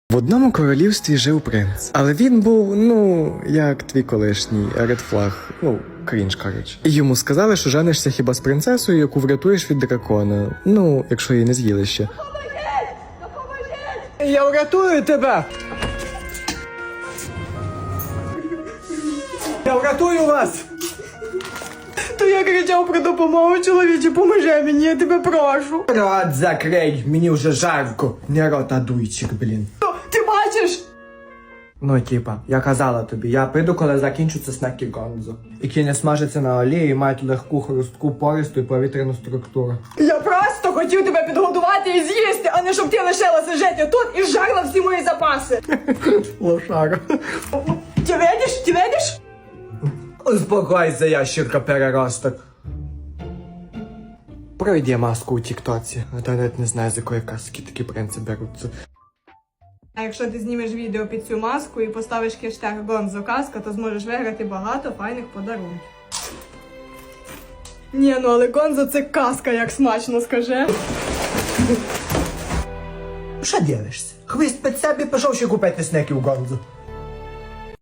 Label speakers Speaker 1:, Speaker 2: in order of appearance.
Speaker 1: В одному королівстві жив принц, але він був, як твій колишній, редфлаг, крінж, коротше. І йому сказали, що женишся хіба з принцесою, яку врятуєш від дракона, якщо її не з'їли ще.
Speaker 2: Допоможіть! Я врятую тебе! Я врятую вас! То я кричав про допомогу, чоловіче, поможи мені, я тебе прошу. Рот закрий, мені вже жарко. Не рота дуйчик, блін. Ти бачиш? Я казала тобі, я прийду, коли закінчуться снеки Гонзо. Які не смажаться на олії і мають легку, хрустку, пористу і повітряну структуру. Я просто хотів тебе підготувати і з'їсти, а не щоб ти лишилася жити тут і жарла всі мої запаси. Лошара. Ти видиш? Ти видиш? Успокойся, ящірка переросток. Пройди маску у тіктоці, а то навіть не знаю, з якої казки такі принци беруться.
Speaker 3: А якщо ти знімеш відео під цю маску і поставиш хештег Гонзо Казка, то зможеш виграти багато файних подарунків. Ні, але Гонзо це казка, як смачно, скажи.
Speaker 2: Що дивишся? Хвіст під себе пішов ще купити снеків Гонзо.